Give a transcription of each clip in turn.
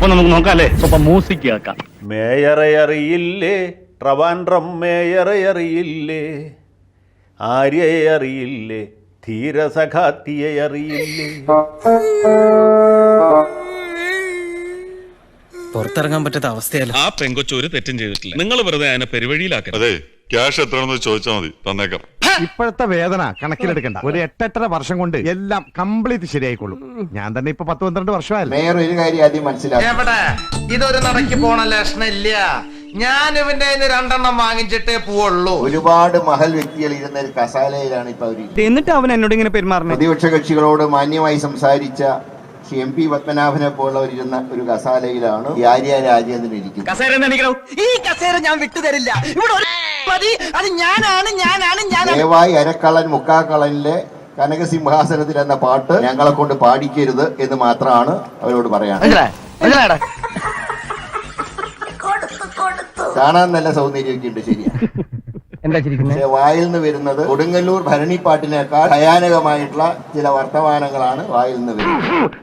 അപ്പൊ നമുക്ക് നോക്കാം അല്ലേ? സ്വപ്പം മ്യൂസിക് കേൾക്കാം. മേയറെ അറിയില്ലേ, ട്രവാൻഡ്രം മേയറെ അറിയില്ലേ, ആര്യയെ അറിയില്ലേ, ധീരസഖാത്തിയെ അറിയില്ലേ. പുറത്തിറങ്ങാൻ പറ്റാത്ത അവസ്ഥയല്ല. ആ പെങ്കൊച്ചു ഒരു തെറ്റും ചെയ്തിട്ടില്ല. നിങ്ങൾ വെറുതെ അതിനെ പെരുവഴിയിലാക്കണം. അതെ, ക്യാഷ് എത്രയാണെന്ന് ചോദിച്ചാൽ മതി, തന്നേക്കാം. ഇപ്പോഴത്തെ വേദന കണക്കിലെടുക്കണ്ട. ഒരു 8-8.5 വർഷം കൊണ്ട് എല്ലാം കംപ്ലീറ്റ് ശരിയായിക്കൊള്ളും. ഞാൻ തന്നെ ഇപ്പൊ 10-12 വർഷമായല്ലോ. മേയർ ഒരു കാര്യം ആദ്യം മനസ്സിലാക്കി, ഇതൊരു നടക്ക് പോണ ലക്ഷണില്ല. ഞാൻ ഇവന്റെ 2 വാങ്ങിച്ചിട്ടേ പോവുള്ളൂ. ഒരുപാട് മഹൽ വ്യക്തികൾ ഇരുന്ന ഒരു കസാലയിലാണ് ഇപ്പൊ അവര്. എന്നിട്ട് അവൻ എന്നോട് ഇങ്ങനെ പെരുമാറുന്നത്. പ്രതിപക്ഷ കക്ഷികളോട് മാന്യമായി സംസാരിച്ച MP പത്മനാഭനെ പോലുള്ളവരിരുന്ന ഒരു കസാലയിലാണ് ഈ ആര്യ രാജേന്ദ്രൻ ഇരിക്കുന്നത്. ഈ കസേര ഞാൻ വിട്ടുതരില്ല. ദയവായി അരക്കള്ളൻ മുക്കാക്കള്ളനിലെ കനകസിംഹാസനത്തിൽ എന്ന പാട്ട് ഞങ്ങളെ കൊണ്ട് പാടിക്കരുത് എന്ന് മാത്രമാണ് അവരോട് പറയാൻ. കാണാൻ നല്ല സൗന്ദര്യമൊക്കെ ഉണ്ട്, ശരിയാണ്. പക്ഷെ വായിൽ നിന്ന് വരുന്നത് കൊടുങ്ങല്ലൂർ ഭരണിപ്പാട്ടിനേക്കാൾ ഭയാനകമായിട്ടുള്ള ചില വർത്തമാനങ്ങളാണ് വായിൽ നിന്ന് വരുന്നത്.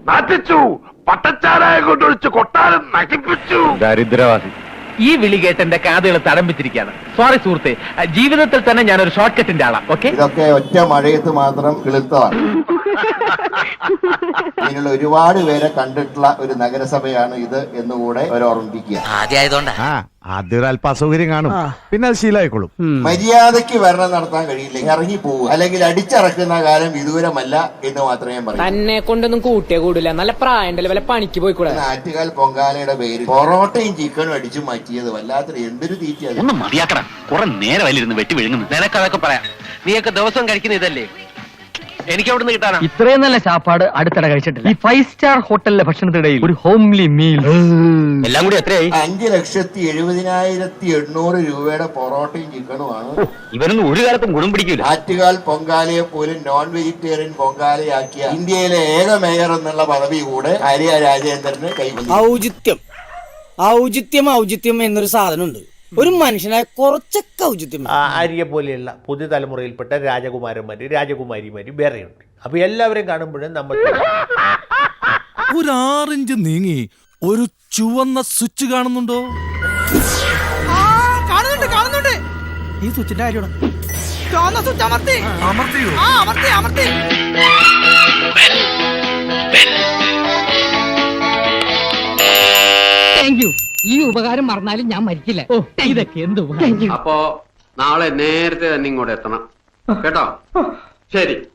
ദരിദ്രവാസി. ഈ വിളി കേട്ട് എന്റെ കാതുകൾ തടംപിച്ചിരിക്കുകയാണ്. സോറി സുഹൃത്തെ, ജീവിതത്തിൽ തന്നെ ഞാനൊരു ഷോർട്ട് കട്ടിന്റെ ആളാ. ഓക്കെ, ഇതൊക്കെ ഒറ്റ മഴയത്ത് മാത്രം കിളുത്തതാണ്. ഇങ്ങനെയുള്ള ഒരുപാട് പേരെ കണ്ടിട്ടുള്ള ഒരു നഗരസഭയാണ് ഇത് എന്നുകൂടെ അവർ ഓർമ്മിപ്പിക്കുക. ആദ്യം ഒരു അല്പ അസൗകര്യം കാണും, പിന്നെ അത് ശീലമായിക്കോളും. മര്യാദയ്ക്ക് ഭരണം നടത്താൻ കഴിയില്ല, ഇറങ്ങി പോകും, അല്ലെങ്കിൽ അടിച്ചിറക്കുന്ന കാലം വിദൂരമല്ല എന്ന് മാത്രമേ പറയൂ. തന്നെ കൊണ്ടൊന്നും കൂട്ടിയേ കൂടില്ല. നല്ല പ്രായണ്ടല്ലേ, വല്ല പണിക്ക് പോയിക്കൂടെ. ആറ്റുകാൽ പൊങ്കാലയുടെ പേര് പൊറോട്ടയും ചിക്കനും അടിച്ചു മാറ്റിയത് വല്ലാത്തൊരു എന്തൊരു തീറ്റയാണ്. ഒന്ന് മതിയാക്കണം. കുറെ നേരം വലിരുന്ന് വെട്ടി വിഴുങ്ങുന്നു. നിനക്ക് അതൊക്കെ പറയാം. നീയൊക്കെ ദിവസം കഴിക്കുന്ന ഇതല്ലേ, എനിക്ക് എവിടെ നിന്ന് കിട്ടാനാ? ഇത്രയും നല്ല ചാപ്പാട് അടുത്തിടെ കഴിച്ചിട്ടില്ല. ഈ 5 സ്റ്റാർ ഹോട്ടലിലെ ഭക്ഷണത്തിനിടയിൽ ഒരു ഹോംലി മീൽ എല്ലാം കൂടി എത്രയായി? 5,70,800 രൂപയുടെ പൊറോട്ടയും ചിക്കനുമാണ്. ഇവരൊന്നും ഒരു കാലത്തും ഗുണം പിടിക്കില്ല. ആറ്റുകാൽ പൊങ്കാലയെ പോലും നോൺ വെജിറ്റേറിയൻ പൊങ്കാലയാക്കിയ ഇന്ത്യയിലെ ഏക മേയർ എന്നുള്ള പദവി കൂടെ ആര്യ രാജേന്ദ്രന് കൈവന്നു. ഔചിത്യം എന്നൊരു സാധനമുണ്ട്. ഒരു മനുഷ്യനായ കുറച്ചൊക്കെ ഔചിത്യം. ആര്യ പോലെയുള്ള പുതുതലമുറയിൽപ്പെട്ട രാജകുമാരന്മാര് രാജകുമാരിമാര് വേറെയുണ്ട്. അപ്പൊ എല്ലാവരെയും കാണുമ്പോഴും നമ്മൾ ഒരു 6 ഇഞ്ച് നീങ്ങി ഒരു ചുവന്ന സ്വിച്ച് കാണുന്നുണ്ടോ? കാണുന്നുണ്ട്. ഈ സ്വിച്ചിന്റെ കാര്യമാണ്. ഈ ഉപകാരം മറന്നാലും ഞാൻ മരിക്കില്ല. ഇതൊക്കെ എന്ത് ഉപകാരം. അപ്പോ നാളെ നേരത്തെ തന്നെ ഇങ്ങോട്ട് എത്തണം കേട്ടോ. ശരി.